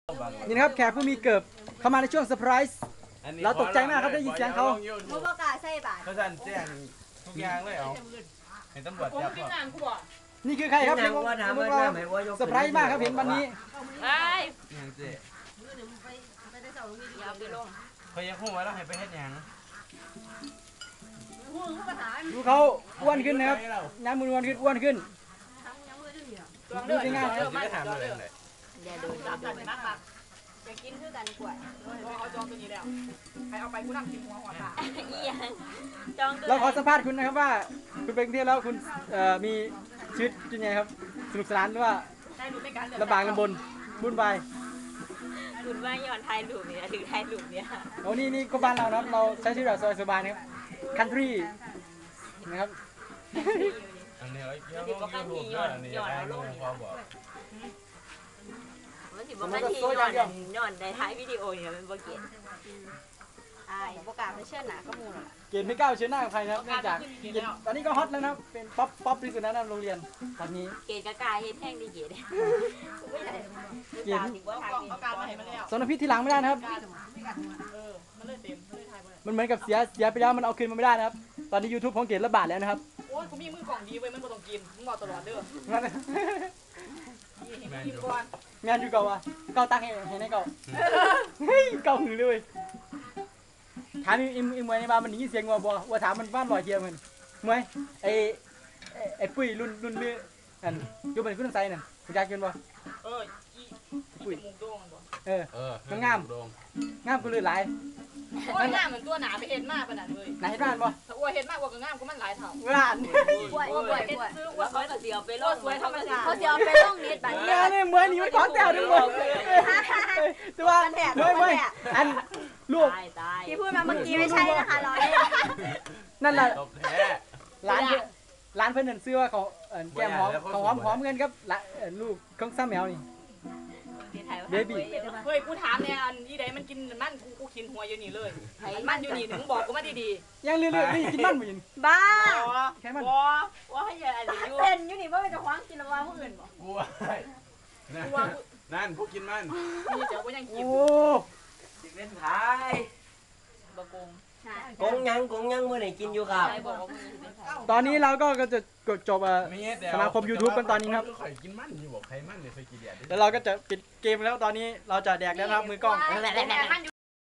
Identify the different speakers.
Speaker 1: นี่นะครับแขกผู้มีเกิบเข้ามาในช่วงเซอร์ไพรส์เราตกใจมากครับได้ยินเสียงเขา
Speaker 2: เขาบอกกาใส่บาท
Speaker 3: เขาสั่นแจ้งทุกอย่างเลยเอาเห็นตำรวจจับก่อน
Speaker 1: นี่คือใครครับเซอร์ไพรส์มากครับเห็นวันนี้
Speaker 3: ยังเจ๊
Speaker 2: อย่าไปลง
Speaker 3: เขายังพูดไว้แล้วให้ไปเฮ็ดยัง
Speaker 1: ดูเขาอ้วนขึ้นนะครับน้ำมืออ้วนขึ้นดูสิง่ายครับ
Speaker 3: จะถามเลยเลย
Speaker 2: อย่าโดนจับกันมากจะกินคือกันกว่า
Speaker 4: เอาจองตัวนี้แล้วใครเอาไปกูนั่งกินหัวตา
Speaker 2: อีหยังจองตัว
Speaker 1: เราขอสัมภาษณ์คุณนะครับว่าคุณเป็นเที่ยวแล้วคุณมีชีวิตยังไงครับสนุกสนานหรือว่า
Speaker 4: ได้รู้ไม่กันเลย
Speaker 1: ลำบากลำบนบุญบาย
Speaker 2: คุณว่าย้อนไทยลูกเนี่ยถึงไทยลูกเนี่ย
Speaker 1: โอ้นี่ก็บ้านเรานะครับเราใช้ชีวิตแบบสบายๆนะครับคันทรีนะครับ
Speaker 3: อันนี้เราเกี่ยวกับยูทูบด้วยอันนี้ได้ยูทูบพอบอก
Speaker 2: มันสิบอกว่าที่ย้อนในท้ายวิดีโอเนี่ยมันบ่เก็ตประกาศไม่เชื่อหนาก็มูล
Speaker 1: เกณฑ์ไม่กล้าเชิญหน้ากับใครนะครับเนื่องจากตอนนี้ก็ฮอตแล้วนะครับเป็นป๊อปที่สุดแล้วนะโรงเรียนตอนนี้
Speaker 2: เกตกากาเฮ็ดแห้งดีเกต
Speaker 1: เกณฑ์
Speaker 4: เอาการมาให้มันแล้ว
Speaker 1: สนพิษที่หลังไม่ได้นะครับ
Speaker 4: มันเลยเต็มมันเลยทายไป
Speaker 1: มันเหมือนกับเสียไปแล้วมันเอาคืนมาไม่ได้นะครับ ตอนนี้ YouTube ของเกณฑ์ระบาดแล้วนะครับ
Speaker 4: โอ้ยกูมีมือกล่องดีไว้มันบ่ต้องกินมึงบอกตลอดเด้อกินก่อน
Speaker 1: งานอยู่เก่าอ่ะเก่าตั้งให้ในเก่าเฮ้ยเก่าหือเลยถามอีมวยในบ้านมันได้ยินเสียงว่าถามมันบ้านลอยเทียมมันมวยไอ้ปุ้ยรุ่นเลืออันอยู่บนขึ้นไซนั่นคุณยายกินบ่
Speaker 4: อีมุกโด่งบ่
Speaker 1: งามกูเลยหลาย
Speaker 4: โอ้ยหน้าเหมือนตัวหนาไปเห็นมากขนาดเลย
Speaker 1: ไหนบ้านบ่
Speaker 4: ถ้าอ้วยเห็นมากกว่าก็งามกูมันหลายเท่า
Speaker 1: บ้าน
Speaker 2: ป่วยซื้อว่าเขาจะเสียไปโลก
Speaker 4: สวยธรรมชาติ
Speaker 2: เขาเสียไปโลกนิดบาง
Speaker 1: เนี่ยมวยนี่มันของแต้วดึงบ่แต่ว่ามวยอันลูก
Speaker 2: ตาย
Speaker 5: ที่พูดมาเมื่อกี้ไม่ใช่นะคะร้อย
Speaker 1: นั่นแหละ
Speaker 3: ตบแท้
Speaker 1: ร้านเพื่อนนั่นซื้อว่าเขาแก้มหอมเงินครับลูกของซ้ำแมวนี่
Speaker 4: เฮ้ยกูถามเนี่ยอันยี่ใดมันกินมันกูกินหัวอยู่นี่เลยมันอยู่นี่ถึงบอกกูมาดี
Speaker 1: ยังเรื่อยๆกินมันบ่ยิน
Speaker 5: บ้า
Speaker 1: แค่มัน
Speaker 2: ว่าให้ยาอะไรอยู่
Speaker 5: เป็นอยู่นี่ว่าเป็นจะคว้างกินแล้วว่าผู้อื่นบอก
Speaker 3: กูนั่นพวกกินมัน
Speaker 4: ๆนี่เจ้ากูยังกิน
Speaker 1: โอ้
Speaker 6: เล่นขาย
Speaker 4: บะกง
Speaker 6: กงยังเมื่อไหร่กินอยู่ครับ
Speaker 2: ใครบอกว่ามึง
Speaker 1: ตอนนี้เราก็จะจบ
Speaker 3: ไม่เฮ็ดแล้ว
Speaker 1: สมาคม YouTube กันตอนนี้ครับ
Speaker 3: ข่อยกินมันอยู่บอกใครมันเนี่ยเคยกินเดียด
Speaker 1: แล้วเราก็จะปิดเกมแล้วตอนนี้เราจะแดกแล้วนะครับมือกล้อง
Speaker 4: มัน